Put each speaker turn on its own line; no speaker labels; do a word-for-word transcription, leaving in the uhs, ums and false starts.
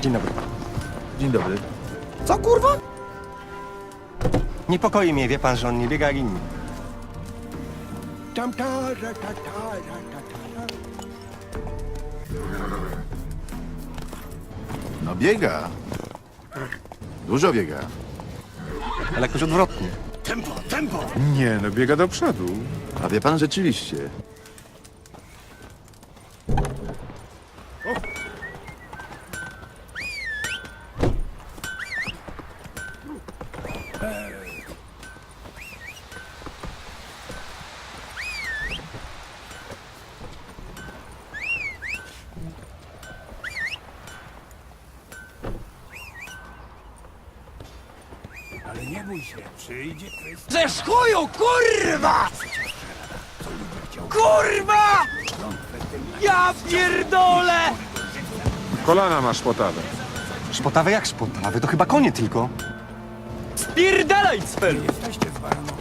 Dzień dobry.
Dzień dobry.
Co kurwa? Niepokoi mnie, wie pan, że on nie biega jak inni.
Tam ta, ra, ta, ta, ra, ta, ta, ta.
No biega. Dużo biega.
Ale jakoś odwrotnie.
Tempo, tempo!
Nie, no biega do przodu.
A wie pan rzeczywiście.
Ale nie bój się, przyjdzie kwestia.
Ze chuju, kurwa! Kurwa! Ja pierdolę!
Kolana masz potawe.
Szpotawe jak szpotawe, to chyba konie tylko.
Spierdalaj, cfelu!
Jesteście z Baroną.